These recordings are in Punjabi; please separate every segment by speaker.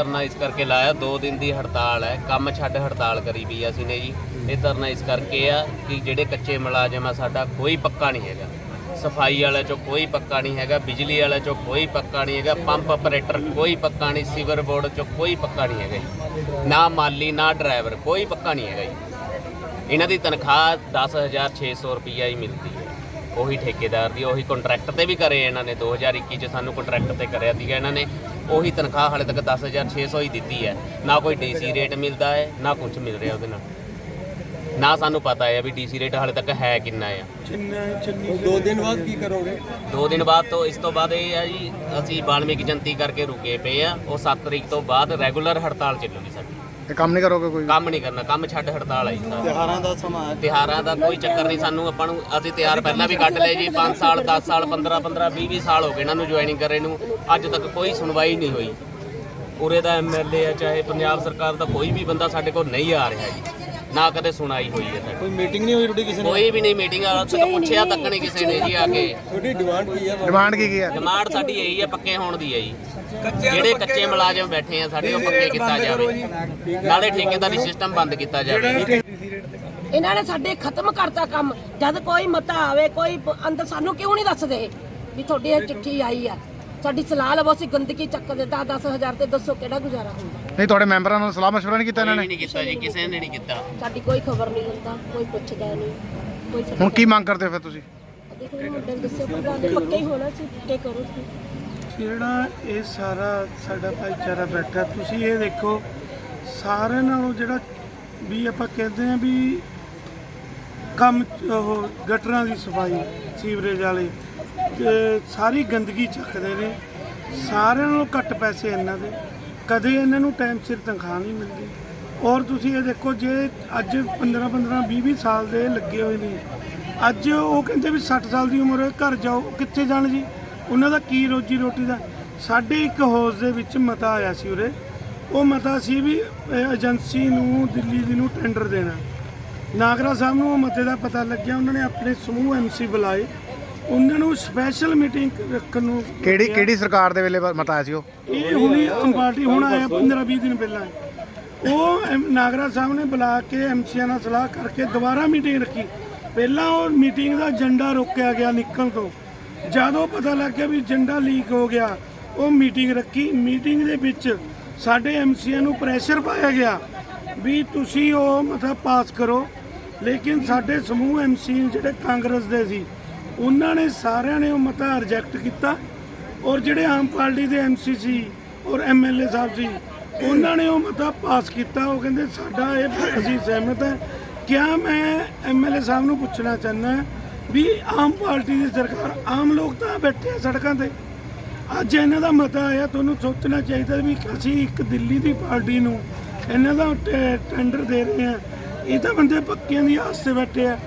Speaker 1: ਧਰਨਾ ਇਸ ਕਰਕੇ ਲਾਇਆ, 2 ਦਿਨ ਦੀ ਹੜਤਾਲ ਹੈ, ਕੰਮ ਛੱਡ ਹੜਤਾਲ ਕਰੀ ਵੀ ਅਸੀਂ ਨੇ ਜੀ। ਇਹ ਧਰਨਾ ਇਸ ਕਰਕੇ ਆ ਕਿ ਜਿਹੜੇ ਕੱਚੇ ਮੁਲਾਜ਼ਮ ਆ ਸਾਡਾ ਕੋਈ ਪੱਕਾ ਨਹੀਂ ਹੈਗਾ, ਸਫਾਈ ਵਾਲੇ ਚੋਂ ਕੋਈ ਪੱਕਾ ਨਹੀਂ ਹੈਗਾ, ਬਿਜਲੀ ਵਾਲੇ ਚੋਂ ਕੋਈ ਪੱਕਾ ਨਹੀਂ ਹੈਗਾ, ਪੰਪ ਆਪਰੇਟਰ ਕੋਈ ਪੱਕਾ ਨਹੀਂ, ਸੀਵਰ ਬੋਰਡ ਚੋਂ ਕੋਈ ਪੱਕਾ ਨਹੀਂ ਹੈਗਾ ਜੀ, ਨਾ ਮਾਲੀ ਨਾ ਡਰਾਈਵਰ ਕੋਈ ਪੱਕਾ ਨਹੀਂ ਹੈਗਾ ਜੀ। ਇਹਨਾਂ ਦੀ ਤਨਖਾਹ 10,600 ਰੁਪਈਆ ਹੀ ਮਿਲਦੀ ਹੈ, ਉਹੀ ਠੇਕੇਦਾਰ ਦੀ, ਉਹੀ ਕੰਟਰੈਕਟ ਤੇ ਵੀ ਕਰੇ ਇਹਨਾਂ ਨੇ, 2021 'ਚ ਸਾਨੂੰ ਕੰਟਰੈਕਟ ਤੇ ਕਰਿਆ ਸੀਗਾ ਇਹਨਾਂ ਨੇ, ਉਹੀ ਤਨਖਾਹ ਹਾਲੇ ਤੱਕ 10,600 ਹੀ ਦਿੱਤੀ ਹੈ। ਨਾ ਕੋਈ ਡੀਸੀ ਰੇਟ ਮਿਲਦਾ ਹੈ, ਨਾ ਕੁਝ ਮਿਲ ਰਿਹਾ ਉਹਦੇ ਨਾਲ, ਨਾ ਸਾਨੂੰ ਪਤਾ ਹੈ ਵੀ ਡੀਸੀ ਰੇਟ ਹਾਲੇ ਤੱਕ ਹੈ ਕਿੰਨਾ ਆ।
Speaker 2: 2 ਦਿਨ ਬਾਅਦ ਕੀ ਕਰੋਗੇ?
Speaker 1: 2 ਦਿਨ ਬਾਅਦ ਤੋਂ ਇਸ ਤੋਂ ਬਾਅਦ ਇਹ ਹੈ ਜੀ, ਅਸੀਂ ਵਾਲਮੀਕ ਜਯੰਤੀ ਕਰਕੇ ਰੁਕੇ ਪਏ ਆ, ਉਹ 7 ਤਰੀਕ ਤੋਂ ਬਾਅਦ ਰੈਗੂਲਰ ਹੜਤਾਲ ਚੱਲੂਗੀ ਸਾਡੀ।
Speaker 3: ਇਹ ਕੰਮ ਨਹੀਂ ਕਰੋਗੇ? ਕੋਈ
Speaker 1: ਕੰਮ ਨਹੀਂ ਕਰਨਾ, ਕੰਮ ਛੱਡ ਹੜਤਾਲ ਆਈ।
Speaker 2: ਤਿਉਹਾਰਾਂ ਦਾ ਸਮਾਂ ਹੈ,
Speaker 1: ਤਿਉਹਾਰਾਂ ਦਾ ਕੋਈ ਚੱਕਰ ਨਹੀਂ ਸਾਨੂੰ, ਆਪਾਂ ਨੂੰ ਅਸੀਂ ਤਿਉਹਾਰ ਪਹਿਲਾਂ ਵੀ ਕੱਢ ਲਏ ਜੀ, 5 ਸਾਲ 10 ਸਾਲ 15 15 20 ਸਾਲ ਹੋ ਗਏ ਇਹਨਾਂ ਨੂੰ ਜੁਆਇਨਿੰਗ ਕਰੇ ਨੂੰ, ਅੱਜ ਤੱਕ ਕੋਈ ਸੁਣਵਾਈ ਨਹੀਂ ਹੋਈ। ਉਰੇ ਦਾ ਐਮਐਲਏ ਆ ਚਾਹੇ ਪੰਜਾਬ ਸਰਕਾਰ ਦਾ ਕੋਈ ਵੀ ਬੰਦਾ ਸਾਡੇ ਕੋਲ ਨਹੀਂ ਆ ਰਿਹਾ ਜੀ, ਨਾ ਕਦੇ ਸੁਣਾਈ ਹੋਈ ਹੈ ਸਾਡੀ।
Speaker 2: ਕੋਈ ਮੀਟਿੰਗ ਨਹੀਂ ਹੋਈ ਤੁਹਾਡੀ ਕਿਸੇ ਨਾਲ?
Speaker 1: ਕੋਈ ਵੀ ਨਹੀਂ ਮੀਟਿੰਗ, ਅੱਜ ਤੱਕ ਪੁੱਛਿਆ ਤੱਕ ਨਹੀਂ ਕਿਸੇ ਨੇ ਜੀ ਆ ਕੇ।
Speaker 2: ਤੁਹਾਡੀ ਡਿਮਾਂਡ ਕੀ ਹੈ?
Speaker 3: ਡਿਮਾਂਡ ਕੀ ਹੈ?
Speaker 1: ਡਿਮਾਂਡ ਸਾਡੀ ਇਹੀ ਹੈ, ਪੱਕੇ ਹੋਣ ਦੀ ਹੈ ਜੀ। ਜਿਹੜੇ ਕੱਚੇ ਮੁਲਾਜ਼ਮ ਬੈਠੇ ਆ ਸਾਡੇ, ਉਹ ਪੱਕੇ ਕੀਤਾ ਜਾਵੇ, ਨਾਲੇ ਠੇਕੇਦਾਰੀ ਸਿਸਟਮ ਬੰਦ ਕੀਤਾ ਜਾਵੇ।
Speaker 4: ਇਹਨਾਂ ਨੇ ਸਾਡੇ ਖਤਮ ਕਰਤਾ ਕੰਮ। ਜਦ ਕੋਈ ਮਤਾ ਆਵੇ, ਕੋਈ ਅੰਦਰ ਸਾਨੂੰ ਕਿਉਂ ਨਹੀਂ ਦੱਸਦੇ ਵੀ ਤੁਹਾਡੀ ਇਹ ਚਿੱਠੀ ਆਈ ਆ, ਸਾਡੀ ਸਲਾਹ ਲਵੋ, ਅਸੀਂ ਗੰਦਗੀ ਚੱਕ ਦੇ 10,000 ਤੇ ਦੱਸੋ ਕਿਹੜਾ ਗੁਜ਼ਾਰਾ ਹੁੰਦਾ।
Speaker 3: ਨਹੀਂ, ਤੁਹਾਡੇ ਮੈਂਬਰਾਂ ਨਾਲ ਸਲਾਹ ਮਸ਼ਵਰਾ ਨਹੀਂ ਕੀਤਾ ਇਹਨਾਂ ਨੇ?
Speaker 1: ਨਹੀਂ ਕੀਤਾ ਜੀ, ਕਿਸੇ ਨੇ ਨਹੀਂ ਕੀਤਾ।
Speaker 4: ਸਾਡੀ ਕੋਈ ਖਬਰ ਨਹੀਂ ਹੁੰਦਾ, ਕੋਈ ਪੁੱਛਦਾ ਨਹੀਂ, ਕੋਈ
Speaker 3: ਹੁਣ ਕੀ ਮੰਗ ਕਰਦੇ ਹੋ ਫਿਰ ਤੁਸੀਂ?
Speaker 4: ਦੇਖੋ ਮੁੰਡੇ ਨੂੰ ਦੱਸਿਓ ਪ੍ਰਧਾਨ ਨੇ ਪੱਕੇ ਹੀ ਹੋਣਾ ਸੀ, ਪੱਕੇ ਕਰੋ ਤੁਸੀਂ।
Speaker 5: ਜਿਹੜਾ ਇਹ ਸਾਰਾ ਸਾਡਾ ਭਾਈਚਾਰਾ ਬੈਠਾ, ਤੁਸੀਂ ਇਹ ਦੇਖੋ ਸਾਰਿਆਂ ਨਾਲੋਂ ਜਿਹੜਾ ਵੀ ਆਪਾਂ ਕਹਿੰਦੇ ਆ ਵੀ ਕੰਮ ਉਹ ਗਟਰਾਂ ਦੀ ਸਫਾਈ, ਸੀਵਰੇਜ ਵਾਲੇ ਤੇ ਸਾਰੀ ਗੰਦਗੀ ਚੱਕਦੇ ਨੇ, ਸਾਰਿਆਂ ਨਾਲੋਂ ਘੱਟ ਪੈਸੇ ਇਹਨਾਂ ਦੇ, ਕਦੇ ਇਹਨਾਂ ਨੂੰ ਟਾਈਮ ਸਿਰ ਤਨਖਾਹ ਨਹੀਂ ਮਿਲਦੀ। ਔਰ ਤੁਸੀਂ ਇਹ ਦੇਖੋ, ਜੇ ਅੱਜ 15 20 ਸਾਲ ਦੇ ਲੱਗੇ ਹੋਏ ਨੇ, ਅੱਜ ਉਹ ਕਹਿੰਦੇ ਵੀ 60 ਸਾਲ ਦੀ ਉਮਰ ਹੋਏ ਘਰ ਜਾਓ, ਕਿੱਥੇ ਜਾਣ ਜੀ? ਉਹਨਾਂ ਦਾ ਕੀ ਰੋਜੀ ਰੋਟੀ ਦਾ? ਸਾਡੇ ਇੱਕ ਹਾਊਸ ਦੇ ਵਿੱਚ ਮਤਾ ਆਇਆ ਸੀ ਉਰੇ, ਉਹ ਮਤਾ ਸੀ ਵੀ ਏਜੰਸੀ ਨੂੰ ਦਿੱਲੀ ਦੀ ਨੂੰ ਟੈਂਡਰ ਦੇਣਾ। ਨਾਗਰਾ ਸਾਹਿਬ ਨੂੰ ਉਹ ਮਤੇ ਦਾ ਪਤਾ ਲੱਗਿਆ, ਉਹਨਾਂ ਨੇ ਆਪਣੇ ਸਮੂਹ ਐਮਸੀ ਬੁਲਾਏ, ਉਹਨਾਂ ਨੂੰ ਸਪੈਸ਼ਲ ਮੀਟਿੰਗ ਰੱਖਣ ਨੂੰ।
Speaker 3: ਕਿਹੜੀ ਸਰਕਾਰ ਦੇ ਵੇਲੇ ਮਤਾ ਆਇਆ ਸੀ ਉਹ?
Speaker 5: ਇਹ ਹੁਣੀ ਆਮ ਪਾਰਟੀ ਹੁਣ ਆਇਆ 15-20 ਦਿਨ ਪਹਿਲਾਂ। ਉਹ ਨਾਗਰਾ ਸਾਹਿਬ ਨੇ ਬੁਲਾ ਕੇ ਐਮਸੀਆਂ ਨਾਲ ਸਲਾਹ ਕਰਕੇ ਦੁਬਾਰਾ ਮੀਟਿੰਗ ਰੱਖੀ। ਪਹਿਲਾਂ ਉਹ ਮੀਟਿੰਗ ਦਾ ਏਜੰਡਾ ਰੋਕਿਆ ਗਿਆ ਨਿਕਲਣ ਤੋਂ, ਜਦੋਂ ਪਤਾ ਲੱਗ ਗਿਆ ਵੀ ਏਜੰਡਾ ਲੀਕ ਹੋ ਗਿਆ, ਉਹ ਮੀਟਿੰਗ ਰੱਖੀ। ਮੀਟਿੰਗ ਦੇ ਵਿੱਚ ਸਾਡੇ ਐਮਸੀਆਂ ਨੂੰ ਪ੍ਰੈਸ਼ਰ ਪਾਇਆ ਗਿਆ ਵੀ ਤੁਸੀਂ ਉਹ ਮਤਾ ਪਾਸ ਕਰੋ, ਲੇਕਿਨ ਸਾਡੇ ਸਮੂਹ ਐਮਸੀ ਜਿਹੜੇ ਕਾਂਗਰਸ ਦੇ ਸੀ, ਉਹਨਾਂ ਨੇ ਸਾਰਿਆਂ ਨੇ ਉਹ ਮਤਾ ਰਿਜੈਕਟ ਕੀਤਾ। ਔਰ ਜਿਹੜੇ ਆਮ ਪਾਰਟੀ ਦੇ ਐਮਸੀ ਸੀ ਔਰ ਐਮਐਲਏ ਸਾਹਿਬ ਸੀ, ਉਹਨਾਂ ਨੇ ਉਹ ਮਤਾ ਪਾਸ ਕੀਤਾ। ਉਹ ਕਹਿੰਦੇ ਸਾਡਾ ਇਹ ਅਸੀਂ ਸਹਿਮਤ ਹੈ। ਕਿਆ ਮੈਂ ਐਮਐਲਏ ਸਾਹਿਬ ਨੂੰ ਪੁੱਛਣਾ ਚਾਹੁੰਦਾ ਵੀ ਆਮ ਪਾਰਟੀ ਦੀ ਸਰਕਾਰ, ਆਮ ਲੋਕ ਤਾਂ ਬੈਠੇ ਆ ਸੜਕਾਂ ਤੇ, ਅੱਜ ਇਹਨਾਂ ਦਾ ਮਤਾ ਆਇਆ, ਤੁਹਾਨੂੰ ਸੋਚਣਾ ਚਾਹੀਦਾ ਵੀ ਅਸੀਂ ਇੱਕ ਦਿੱਲੀ ਦੀ ਪਾਰਟੀ ਨੂੰ ਇਹਨਾਂ ਦਾ ਟੈਂਡਰ ਦੇ ਰਹੇ ਹਾਂ। ਇਹ ਤਾਂ ਬੰਦੇ ਪੱਕਿਆਂ ਦੀ ਆਸ ਤੇ ਬੈਠੇ ਆ।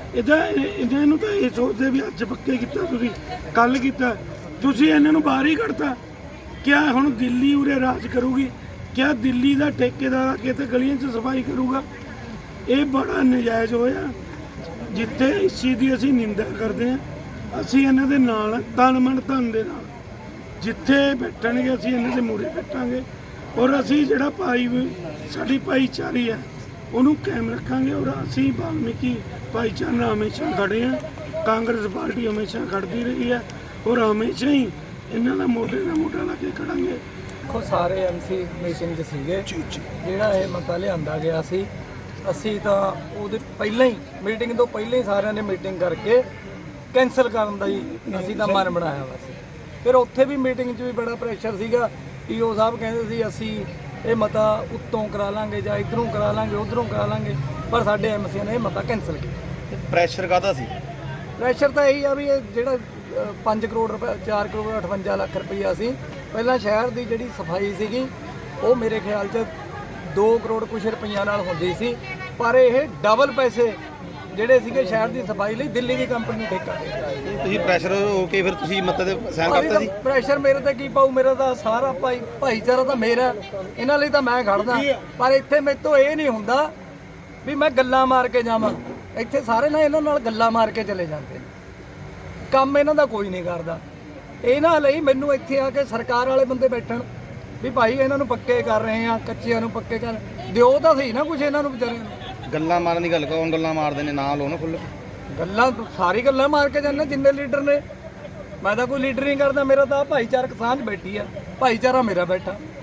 Speaker 5: ਇਹਨਾਂ ਨੂੰ ਤਾਂ ਇਹ ਸੋਚਦੇ ਵੀ ਅੱਜ ਪੱਕੇ ਕੀਤਾ, ਤੁਸੀਂ ਕੱਲ ਕੀਤਾ, ਤੁਸੀਂ ਇਹਨਾਂ ਨੂੰ ਬਾਹਰ ਹੀ ਕੱਢਤਾ। ਕਿਆ ਹੁਣ ਦਿੱਲੀ ਉਰੇ ਰਾਜ ਕਰੂਗੀ? ਕਿਆ ਦਿੱਲੀ ਦਾ ਠੇਕੇਦਾਰ ਆ ਕੇ ਤੇ ਗਲੀਆਂ 'ਚ ਸਫਾਈ ਕਰੂਗਾ? ਇਹ ਬੜਾ ਨਜਾਇਜ਼ ਹੋਇਆ। ਜਿੱਥੇ ਇਸ ਚੀਜ਼ ਦੀ ਅਸੀਂ ਨਿੰਦਾ ਕਰਦੇ ਹਾਂ, ਅਸੀਂ ਇਹਨਾਂ ਦੇ ਨਾਲ ਤਨ ਮਨ ਧਨ ਦੇ ਨਾਲ ਜਿੱਥੇ ਬੈਠਣਗੇ ਅਸੀਂ ਇਹਨਾਂ ਦੇ ਮੂਹਰੇ ਬੈਠਾਂਗੇ। ਔਰ ਅਸੀਂ ਜਿਹੜਾ ਸਾਡੀ ਭਾਈਚਾਰੀ ਹੈ ਉਹਨੂੰ ਕਾਇਮ ਰੱਖਾਂਗੇ। ਔਰ ਅਸੀਂ ਵਾਲਮੀਕੀ ਭਾਈਚਾਰਾ ਹਮੇਸ਼ਾ ਖੜੇ ਹਾਂ, ਕਾਂਗਰਸ ਪਾਰਟੀ ਹਮੇਸ਼ਾ ਖੜਦੀ ਰਹੀ ਹੈ ਔਰ ਹਮੇਸ਼ਾ ਹੀ ਇਹਨਾਂ ਦਾ ਮੋਢੇ ਨਾਲ ਮੋਢਾ ਲਾ ਕੇ ਖੜਾਂਗੇ।
Speaker 6: ਦੇਖੋ ਸਾਰੇ ਐਮਸੀ ਮੀਟਿੰਗ 'ਚ ਸੀਗੇ, ਜਿਹੜਾ ਇਹ ਮਤਾ ਲਿਆਂਦਾ ਗਿਆ ਸੀ, ਅਸੀਂ ਤਾਂ ਉਹਦੇ ਪਹਿਲਾਂ ਹੀ ਮੀਟਿੰਗ ਤੋਂ ਪਹਿਲਾਂ ਹੀ ਸਾਰਿਆਂ ਨੇ ਮੀਟਿੰਗ ਕਰਕੇ ਕੈਂਸਲ ਕਰਨ ਦਾ ਹੀ ਅਸੀਂ ਤਾਂ ਮਨ ਬਣਾਇਆ ਵਾ ਸੀ। ਫਿਰ ਉੱਥੇ ਵੀ ਮੀਟਿੰਗ 'ਚ ਵੀ ਬੜਾ ਪ੍ਰੈਸ਼ਰ ਸੀਗਾ। ਈਓ ਸਾਹਿਬ ਕਹਿੰਦੇ ਸੀ ਅਸੀਂ ਇਹ ਮਤਾ ਉੱਤੋਂ ਕਰਾ ਲਾਂਗੇ ਜਾਂ ਇੱਧਰੋਂ ਕਰਾ ਲਾਂਗੇ, ਉੱਧਰੋਂ ਕਰਾ ਲਾਂਗੇ, ਪਰ ਸਾਡੇ ਐਮਸੀਆਂ ਨੇ ਇਹ ਮਤਾ ਕੈਂਸਲ ਕੀਤਾ।
Speaker 2: ਪ੍ਰੈਸ਼ਰ ਕਾਹਦਾ ਸੀ?
Speaker 6: ਪ੍ਰੈਸ਼ਰ ਤਾਂ ਇਹੀ ਆ ਵੀ ਇਹ ਜਿਹੜਾ 5 ਕਰੋੜ ਰੁਪਏ 4 ਕਰੋੜ 58 ਲੱਖ ਰੁਪਈਆ ਸੀ, ਪਹਿਲਾਂ ਸ਼ਹਿਰ ਦੀ ਜਿਹੜੀ ਸਫਾਈ ਸੀਗੀ ਉਹ ਮੇਰੇ ਖਿਆਲ 'ਚ 2 ਕਰੋੜ ਕੁਛ ਰੁਪਈਆ ਨਾਲ ਹੁੰਦੀ ਸੀ, ਪਰ ਇਹ ਡਬਲ ਪੈਸੇ ਜਿਹੜੇ ਸੀਗੇ ਸ਼ਹਿਰ ਦੀ ਸਫਾਈ ਲਈ ਦਿੱਲੀ ਦੀ ਕੰਪਨੀ ਨੂੰ ਠੇਕਾ ਦੇ ਦਿੱਤਾ।
Speaker 2: ਤੁਸੀਂ ਪ੍ਰੈਸ਼ਰ ਹੋ ਕੇ ਫਿਰ ਤੁਸੀਂ ਮਤੇ ਤੇ ਸਾਈਨ ਕਰਤਾ ਸੀ?
Speaker 6: ਪ੍ਰੈਸ਼ਰ ਮੇਰੇ ਤੇ ਕੀ ਪਾਊ, ਮੇਰਾ ਤਾਂ ਸਾਰਾ ਭਾਈਚਾਰਾ ਤਾਂ ਮੇਰਾ, ਇਹਨਾਂ ਲਈ ਤਾਂ ਮੈਂ ਖੜਦਾ। ਪਰ ਇੱਥੇ ਮੇਰੇ ਤੋਂ ਇਹ ਨਹੀਂ ਹੁੰਦਾ ਵੀ ਮੈਂ ਗੱਲਾਂ ਮਾਰ ਕੇ ਜਾਵਾਂ। ਇੱਥੇ ਸਾਰੇ ਨਾਲ ਇਹਨਾਂ ਨਾਲ ਗੱਲਾਂ ਮਾਰ ਕੇ ਚਲੇ ਜਾਂਦੇ, ਕੰਮ ਇਹਨਾਂ ਦਾ ਕੋਈ ਨਹੀਂ ਕਰਦਾ। ਇਹਨਾਂ ਲਈ ਮੈਨੂੰ ਇੱਥੇ ਆ ਕੇ ਸਰਕਾਰ ਵਾਲੇ ਬੰਦੇ ਬੈਠਣ, ਵੀ ਭਾਈ ਇਹਨਾਂ ਨੂੰ ਪੱਕੇ ਕਰ ਰਹੇ ਆ, ਕੱਚਿਆਂ ਨੂੰ ਪੱਕੇ ਕਰ ਦਿਓ ਤਾਂ ਸਹੀ ਨਾ ਕੁਝ ਇਹਨਾਂ ਨੂੰ ਵਿਚਾਰਿਆਂ ਨੂੰ।
Speaker 2: ਗੱਲਾਂ ਮਾਰਨ ਦੀ ਗੱਲ ਕੌਣ ਗੱਲਾਂ ਮਾਰਦੇ ਨੇ, ਨਾ ਲਓ ਨਾ ਖੁੱਲ੍ਹ ਕੇ।
Speaker 6: ਗੱਲਾਂ ਸਾਰੀ ਗੱਲਾਂ ਮਾਰ ਕੇ ਜਾਂਦੇ ਜਿੰਨੇ ਲੀਡਰ ਨੇ। ਮੈਂ ਤਾਂ ਕੋਈ ਲੀਡਰ ਨਹੀਂ ਕਰਦਾ, ਮੇਰਾ ਤਾਂ ਭਾਈਚਾਰਕ ਸਾਂਝ ਬੈਠੀ ਆ, ਭਾਈਚਾਰਾ ਮੇਰਾ ਬੈਠਾ।